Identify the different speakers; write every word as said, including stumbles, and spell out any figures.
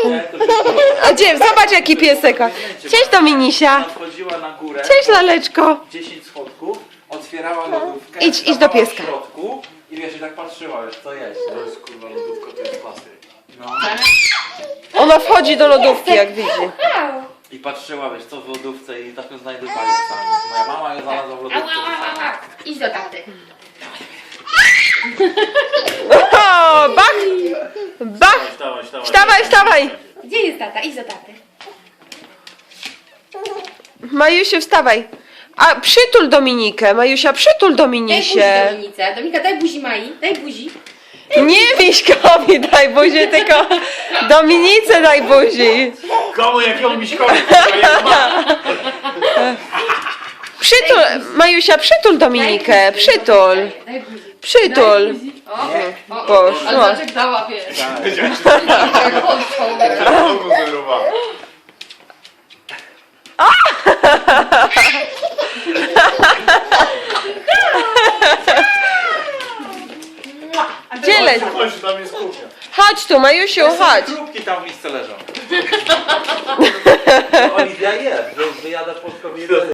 Speaker 1: A gdzie? Zobacz jaki piesek. Cześć Dominisia.
Speaker 2: Wchodziła na górę.
Speaker 1: Cześć laleczko.
Speaker 2: dziesięć schodków, otwierała lodówkę.
Speaker 1: Idź, idź do
Speaker 2: stawała
Speaker 1: pieska.
Speaker 2: w środku i wiesz, i tak patrzyła, wiesz, co jest.
Speaker 3: To jest kurwa lodówka, to jest klasyk.
Speaker 2: No.
Speaker 1: Ona wchodzi do lodówki jak widzi.
Speaker 2: I patrzyła, wiesz, co w lodówce i tak ją znajdowali sami. Moja mama ją znalazła w lodówce.
Speaker 4: Idź do taty.
Speaker 1: O, bach! Bach!
Speaker 3: Wstawaj, wstawaj.
Speaker 1: Wstawaj, wstawaj!
Speaker 4: Gdzie jest tata? Idź do taty.
Speaker 1: Majusiu, wstawaj. A przytul Dominikę. Majusia, przytul
Speaker 4: Daj buzi
Speaker 1: Dominisie.
Speaker 4: Dominice. Dominika, daj buzi Mai. Daj buzi.
Speaker 1: Nie Miśkowi daj buzi, tylko Dominice daj buzi.
Speaker 3: Komu jakiemu miśkowi? kurwa, jak ma?
Speaker 1: Przytul, Majusia, przytul Dominikę. Przytul.
Speaker 4: Daj buzi.
Speaker 1: Przytul.
Speaker 4: O, o, o.
Speaker 1: Poszło.
Speaker 4: Ale Maciek dała, wiesz.
Speaker 3: Znowu zerowała.
Speaker 1: Gdzie leci?
Speaker 3: Chodź, tam jest kuchnia.
Speaker 1: Chodź tu, Majusiu, chodź.
Speaker 2: Krupki tam w misce leżą. Oliwia je, wyjada polską